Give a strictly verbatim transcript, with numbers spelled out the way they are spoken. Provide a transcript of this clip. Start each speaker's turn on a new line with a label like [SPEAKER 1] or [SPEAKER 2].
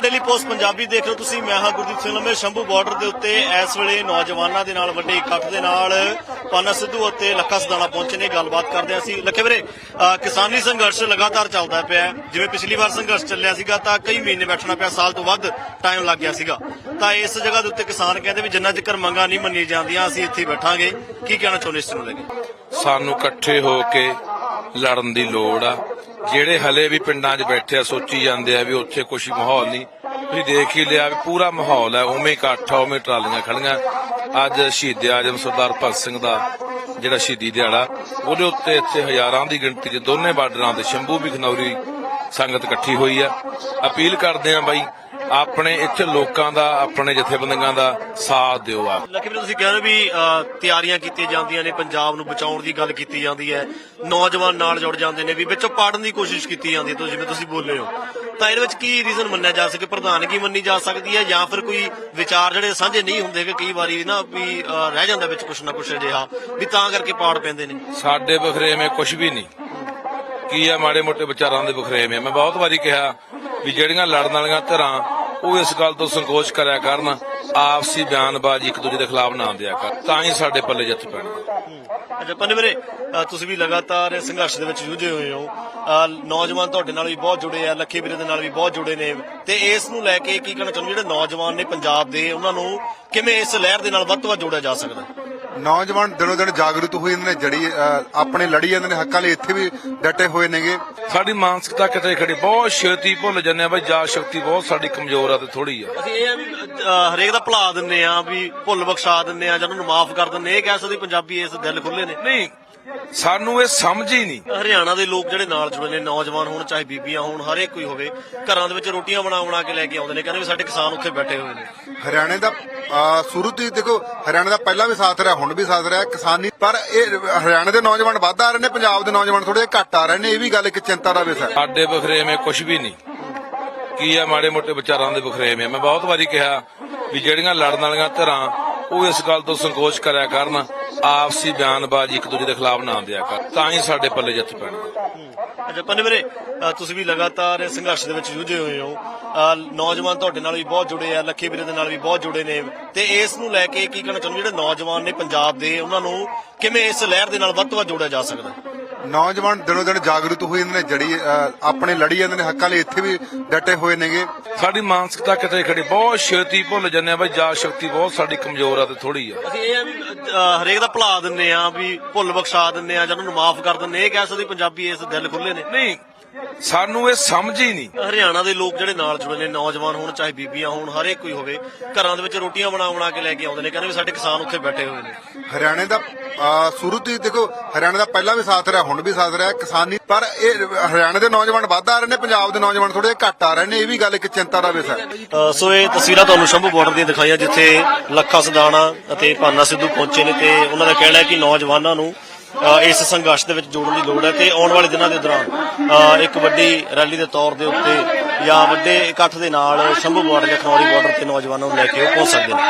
[SPEAKER 1] Daily post Punjabi देख रहे हो तुसीं। मैं हाँ गुरदीप सिंह लम्बे। शंभू बॉर्डर के उत्ते इस वेले नौजवानों के नाल वड्डे इकट्ठ दे नाल पाना सिद्धू और लखा सदाना पहुंचे ने। गलबात करते हैं असीं। लखे वीरे, किसानी संघर्ष लगातार चलता पिया। जिवें पिछली बार संघर्ष चलिया सीगा तां कई महीने बैठना पिया, साल तो वध टाइम लग गया सीगा। तां इस जगह के उत्ते किसान कहते भी जिन्ना चिकर मंगां नहीं मन्नी जांदियां असीं इत्थे बैठांगे। की कहना चाहुंदे इस नूं लेके?
[SPEAKER 2] सानू इकट्ठे होके लड़न दी लोड़ आ। ਜਿਹੜੇ ਹਲੇ ਵੀ ਪਿੰਡਾਂ 'ਚ ਬੈਠੇ ਆ ਸੋਚੀ ਜਾਂਦੇ ਆ ਵੀ ਉੱਥੇ ਕੁਛ ਮਾਹੌਲ ਨਹੀਂ। ਤੁਸੀਂ ਦੇਖ ਹੀ ਲਿਆ ਵੀ ਪੂਰਾ ਮਾਹੌਲ ਹੈ, ਉਵੇਂ ਇਕੱਠ ਆ, ਉਵੇਂ ਟਰਾਲੀਆਂ ਖੜੀਆਂ। ਅੱਜ ਸ਼ਹੀਦ ਆਜਮ ਸਰਦਾਰ ਭਗਤ ਸਿੰਘ ਦਾ ਜਿਹੜਾ ਸ਼ਹੀਦੀ ਦਿਹਾੜਾ, ਉਹਦੇ ਉੱਤੇ ਇੱਥੇ ਹਜ਼ਾਰਾਂ ਦੀ ਗਿਣਤੀ 'ਚ ਦੋਨੇ ਬਾਰਡਰਾਂ ਤੇ ਸ਼ੰਭੂ ਵੀ ਖਨੌਰੀ ਸੰਗਤ ਇਕੱਠੀ ਹੋਈ ਆ। ਅਪੀਲ ਕਰਦੇ ਆ ਬਾਈ ਆਪਣੇ ਇੱਥੇ ਲੋਕਾਂ ਦਾ, ਆਪਣੇ ਜਥੇਬੰਦੀਆਂ ਦਾ ਸਾਥ ਦਿਓ। ਆ
[SPEAKER 1] ਲੱਕੀ ਵੀਰ ਤੁਸੀਂ ਕਹਿ ਰਹੇ ਵੀ ਤਿਆਰੀਆਂ ਕੀਤੀਆਂ ਜਾਂਦੀਆਂ ਨੇ, ਪੰਜਾਬ ਨੂੰ ਬਚਾਉਣ ਦੀ ਗੱਲ ਕੀਤੀ ਜਾਂਦੀ ਹੈ, ਨੌਜਵਾਨ ਨਾਲ ਜੁੜ ਜਾਂਦੇ ਨੇ, ਵੀ ਵਿੱਚੋਂ ਪਾੜਨ ਦੀ ਕੋਸ਼ਿਸ਼ ਕੀਤੀ ਜਾਂਦੀ ਹੈ। ਤੁਸੀਂ ਜਿਵੇਂ ਤੁਸੀਂ ਬੋਲੇ ਹੋ ਤਾਂ ਇਹਦੇ ਵਿੱਚ ਕੀ ਰੀਜ਼ਨ ਮੰਨਿਆ ਜਾ ਸਕੇ? ਪ੍ਰਧਾਨਗੀ ਮੰਨੀ ਜਾ ਸਕਦੀ ਹੈ ਜਾਂ ਫਿਰ ਕੋਈ ਵਿਚਾਰ ਜਿਹੜੇ ਸਾਂਝੇ ਨਹੀਂ ਹੁੰਦੇ ਕਿ ਕਈ ਵਾਰੀ ਨਾ ਵੀ ਰਹਿ ਜਾਂਦਾ ਵਿੱਚ ਕੁਛ ਨਾ ਕੁਛ ਅਜਿਹਾ ਵੀ ਤਾਂ ਕਰਕੇ ਪਾੜ ਪੈਂਦੇ ਨੇ?
[SPEAKER 2] ਸਾਡੇ ਬਖਰੇਵੇਂ ਕੁਛ ਵੀ ਨਹੀਂ। ਕੀ ਆ ਮਾੜੇ ਮੋਟੇ ਵਿਚਾਰਾਂ ਦੇ ਬਖਰੇਵੇਂ। ਮੈਂ ਬਹੁਤ ਵਾਰੀ ਕਿਹਾ ਵੀ ਜਿਹੜੀਆਂ ਲੜਨ ਵਾਲੀਆਂ ਧਿਰਾਂ ਉਹ ਇਸ ਗੱਲ ਤੋਂ ਸੰਕੋਚ ਕਰਿਆ ਕਰਨ, ਆਪਸੀ ਬਿਆਨਬਾਜ਼ੀ ਇੱਕ ਦੂਜੇ ਦੇ ਖਿਲਾਫ ਨਾ ਦਿਆ ਕਰ, ਤਾਂ ਹੀ ਸਾਡੇ ਪੱਲੇ ਜਿੱਤ ਪੈਣਗੇ।
[SPEAKER 1] ਅੱਛਾ ਪੰਨੇ ਵੀਰੇ, ਤੁਸੀਂ ਵੀ ਲਗਾਤਾਰ ਸੰਘਰਸ਼ ਦੇ ਵਿੱਚ ਜੂਝੇ ਹੋਏ ਹੋ। ਨੌਜਵਾਨ ਤੁਹਾਡੇ ਨਾਲ ਵੀ ਬਹੁਤ ਜੁੜੇ ਆ, ਲੱਖੇ ਵੀਰੇ ਦੇ ਨਾਲ ਵੀ ਬਹੁਤ ਜੁੜੇ ਨੇ, ਤੇ ਇਸ ਨੂੰ ਲੈ ਕੇ ਕੀ ਕਹਿਣਾ ਚਾਹੁੰਦੇ ਜਿਹੜੇ ਨੌਜਵਾਨ ਨੇ ਪੰਜਾਬ ਦੇ, ਉਹਨਾਂ ਨੂੰ ਕਿਵੇਂ ਇਸ ਲਹਿਰ ਦੇ ਨਾਲ ਵੱਧ ਤੋਂ ਵੱਧ ਜੋੜਿਆ ਜਾ ਸਕਦਾ?
[SPEAKER 3] ਨੌਜਵਾਨ ਦਿਨੋਂ ਦਿਨ ਜਾਗਰੂਕ ਹੋਏ ਜਾਂਦੇ ਨੇ, ਜੜੀ ਆਪਣੇ ਲੜੀ ਜਾਂਦੇ ਨੇ ਹੱਕਾਂ ਲਈ, ਇੱਥੇ ਵੀ ਡਟੇ ਹੋਏ ਨੇਗੇ।
[SPEAKER 2] ਸਾਡੀ ਮਾਨਸਿਕਤਾ ਕਿਤੇ ਖੜੀ, ਬਹੁਤ ਛੇਤੀ ਭੁੱਲ ਜਾਂਦੇ ਆ ਬਈ ਯਾਦ ਸ਼ਕਤੀ ਬਹੁਤ ਸਾਡੀ ਕਮਜ਼ੋਰ ਆ ਤੇ ਥੋੜੀ ਆ।
[SPEAKER 1] ਅਸੀਂ ਇਹ ਆ ਵੀ ਹਰੇਕ ਦਾ ਭੁਲਾ ਦਿੰਦੇ ਆ, ਵੀ ਭੁੱਲ ਬਖਸ਼ਾ ਦਿੰਦੇ ਆ ਜਾਂ ਉਹਨੂੰ ਮਾਫ ਕਰ ਦਿੰਦੇ। ਇਹ ਕਹਿ ਸਕਦੇ ਪੰਜਾਬੀ ਇਸ ਦਿਲ ਖੁੱਲੇ ਨੇ?
[SPEAKER 2] ਨਹੀਂ, ਸਾਨੂੰ ਇਹ ਸਮਝ ਹੀ ਨਹੀਂ।
[SPEAKER 1] ਹਰਿਆਣਾ ਦੇ ਲੋਕ ਜਿਹੜੇ ਨਾਲ ਜੁੜੇ ਨੇ, ਨੌਜਵਾਨ ਹੋਣ ਚਾਹੇ ਬੀਬੀਆਂ ਹੋਣ, ਹਰੇਕ ਕੋਈ ਹੋਵੇ, ਘਰਾਂ ਦੇ ਵਿੱਚ ਰੋਟੀਆਂ ਬਣਾ ਬਣਾ ਕੇ ਲੈ ਕੇ ਆਉਂਦੇ ਨੇ, ਕਹਿੰਦੇ ਵੀ ਸਾਡੇ ਕਿਸਾਨ ਉੱਥੇ ਬੈਠੇ ਹੋਏ ਨੇ।
[SPEAKER 3] ਹਰਿਆਣੇ ਦਾ ਸ਼ੁਰੂ ਤੋਂ ਹੀ ਦੇਖੋ, ਹਰਿਆਣੇ ਦਾ ਪਹਿਲਾਂ ਵੀ ਸਾਥ ਰਿਹਾ, ਹੁਣ ਵੀ ਸਾਥ ਰਿਹਾ ਕਿਸਾਨੀ। ਪਰ ਇਹ ਹਰਿਆਣੇ ਦੇ ਨੌਜਵਾਨ ਵੱਧ ਆ ਰਹੇ ਨੇ, ਪੰਜਾਬ ਦੇ ਨੌਜਵਾਨ ਥੋੜੇ ਘੱਟ ਆ ਰਹੇ ਨੇ। ਇਹ ਵੀ ਗੱਲ ਇੱਕ ਚਿੰਤਾ ਦਾ ਵਿਸ਼ਾ ਹੈ।
[SPEAKER 2] ਸਾਡੇ ਬਖਰੇਵੇਂ ਕੁਛ ਵੀ ਨਹੀਂ। ਕੀ ਆ ਮਾੜੇ ਮੋਟੇ ਵਿਚਾਰਾਂ ਦੇ ਬਖਰੇਵੇਂ। ਮੈਂ ਬਹੁਤ ਵਾਰੀ ਕਿਹਾ ਵੀ ਜਿਹੜੀਆਂ ਲੜਨ ਵਾਲੀਆਂ ਧਿਰਾਂ ਉਹ ਇਸ ਗੱਲ ਤੋਂ ਸੰਕੋਚ ਕਰਿਆ ਕਰਨ, ਆਪਸੀ ਬਿਆਨਬਾਜ਼ੀ ਇੱਕ ਦੂਜੇ ਦੇ ਖਿਲਾਫ ਨਾ ਦਿਆ ਕਰ, ਤਾਂ ਹੀ ਸਾਡੇ ਪੱਲੇ ਜਿੱਤ ਪੈਣਗੇ।
[SPEAKER 1] ਅੱਛਾ ਪੰਨੇ ਵੀਰੇ, ਤੁਸੀਂ ਵੀ ਲਗਾਤਾਰ ਸੰਘਰਸ਼ ਦੇ ਵਿੱਚ ਜੂਝੇ ਹੋਏ ਹੋ। ਨੌਜਵਾਨ ਤੁਹਾਡੇ ਨਾਲ ਵੀ ਬਹੁਤ ਜੁੜੇ ਆ, ਲੱਖੇ ਵੀਰੇ ਦੇ ਨਾਲ ਵੀ ਬਹੁਤ ਜੁੜੇ ਨੇ, ਤੇ ਇਸ ਨੂੰ ਲੈ ਕੇ ਕੀ ਕਹਿਣਾ ਚਾਹੁੰਦੇ ਜਿਹੜੇ ਨੌਜਵਾਨ ਨੇ ਪੰਜਾਬ ਦੇ, ਉਹਨਾਂ ਨੂੰ ਕਿਵੇਂ ਇਸ ਲਹਿਰ ਦੇ ਨਾਲ ਵੱਧ ਤੋਂ ਵੱਧ ਜੋੜਿਆ ਜਾ ਸਕਦਾ?
[SPEAKER 3] ਨੌਜਵਾਨ ਦਿਨੋਂ ਦਿਨ ਜਾਗਰੂਕ ਹੋਏ ਜਾਂਦੇ ਨੇ, ਜੜੀ ਆਪਣੇ ਲੜੀ ਜਾਂਦੇ ਨੇ ਹੱਕਾਂ ਲਈ, ਇੱਥੇ ਵੀ ਡਟੇ ਹੋਏ ਨੇਗੇ।
[SPEAKER 2] ਸਾਡੀ ਮਾਨਸਿਕਤਾ ਕਿਤੇ ਖੜੀ, ਬਹੁਤ ਛੇਤੀ ਭੁੱਲ ਜਾਂਦੇ ਆ ਬਈ ਯਾਦ ਸ਼ਕਤੀ ਬਹੁਤ ਸਾਡੀ ਕਮਜ਼ੋਰ ਆ ਤੇ ਥੋੜੀ ਆ।
[SPEAKER 1] ਅਸੀਂ ਇਹ ਆ ਵੀ ਹਰੇਕ ਦਾ ਭੁਲਾ ਦਿੰਦੇ ਆ, ਵੀ ਭੁੱਲ ਬਖਸ਼ਾ ਦਿੰਦੇ ਆ ਜਾਂ ਉਹਨੂੰ ਮਾਫ ਕਰ ਦਿੰਦੇ। ਇਹ ਕਹਿ ਸਕਦੇ ਪੰਜਾਬੀ ਇਸ ਦਿਲ ਖੁੱਲੇ ਨੇ?
[SPEAKER 2] ਨਹੀਂ, ਸਾਨੂੰ ਇਹ ਸਮਝ ਹੀ ਨਹੀਂ।
[SPEAKER 1] ਹਰਿਆਣਾ ਦੇ ਲੋਕ ਜਿਹੜੇ ਨਾਲ ਜੁੜੇ ਨੇ, ਨੌਜਵਾਨ ਹੋਣ ਚਾਹੇ ਬੀਬੀਆਂ ਹੋਣ, ਹਰੇਕ ਕੋਈ ਹੋਵੇ, ਘਰਾਂ ਦੇ ਵਿੱਚ ਰੋਟੀਆਂ ਬਣਾ ਬਣਾ ਕੇ ਲੈ ਕੇ ਆਉਂਦੇ ਨੇ, ਕਹਿੰਦੇ ਵੀ ਸਾਡੇ ਕਿਸਾਨ ਉੱਥੇ ਬੈਠੇ ਹੋਏ ਨੇ।
[SPEAKER 3] ਹਰਿਆਣੇ ਦਾ ਸ਼ੁਰੂ ਤੋਂ ਹੀ ਦੇਖੋ, ਹਰਿਆਣੇ ਦਾ ਪਹਿਲਾਂ ਵੀ ਸਾਥ ਰਿਹਾ, ਹੁਣ ਵੀ ਸਾਥ ਰਿਹਾ ਕਿਸਾਨੀ। ਪਰ ਇਹ ਹਰਿਆਣੇ ਦੇ ਨੌਜਵਾਨ ਵੱਧ ਆ ਰਹੇ ਨੇ, ਪੰਜਾਬ ਦੇ ਨੌਜਵਾਨ ਥੋੜੇ ਘੱਟ ਆ ਰਹੇ ਨੇ। ਇਹ ਵੀ ਗੱਲ ਇੱਕ ਚਿੰਤਾ ਦਾ ਵਿਸ਼ਾ ਹੈ।
[SPEAKER 1] ਸੋ ਇਹ ਤਸਵੀਰਾਂ ਤੁਹਾਨੂੰ ਸ਼ੰਭੂ ਬਾਰਡਰ ਦੀਆਂ ਦਿਖਾਈਆਂ, ਜਿੱਥੇ ਲੱਖਾ ਸਦਾਣਾ ਅਤੇ ਪਾਨਾ ਸਿੱਧੂ ਪਹੁੰਚੇ ਨੇ, ਤੇ ਉਹਨਾਂ ਦਾ ਕਹਿਣਾ ਹੈ ਕਿ ਨੌਜਵਾਨਾਂ ਨੂੰ ਇਸ ਸੰਘਰਸ਼ ਦੇ ਵਿੱਚ ਜੋੜਨ ਦੀ ਲੋੜ ਹੈ, ਤੇ ਆਉਣ ਵਾਲੇ ਦਿਨਾਂ ਦੇ ਦੌਰਾਨ ਇੱਕ ਵੱਡੀ ਰੈਲੀ ਦੇ ਤੌਰ ਦੇ ਉੱਤੇ ਜਾਂ ਵੱਡੇ ਇਕੱਠ ਦੇ ਨਾਲ ਸ਼ੰਭੂ ਬਾਰਡਰ ਜਾਂ ਖਨੌਰੀ ਬਾਰਡਰ ਤੇ ਨੌਜਵਾਨਾਂ ਨੂੰ ਲੈ ਕੇ ਉਹ ਪਹੁੰਚ ਸਕਦੇ ਨੇ।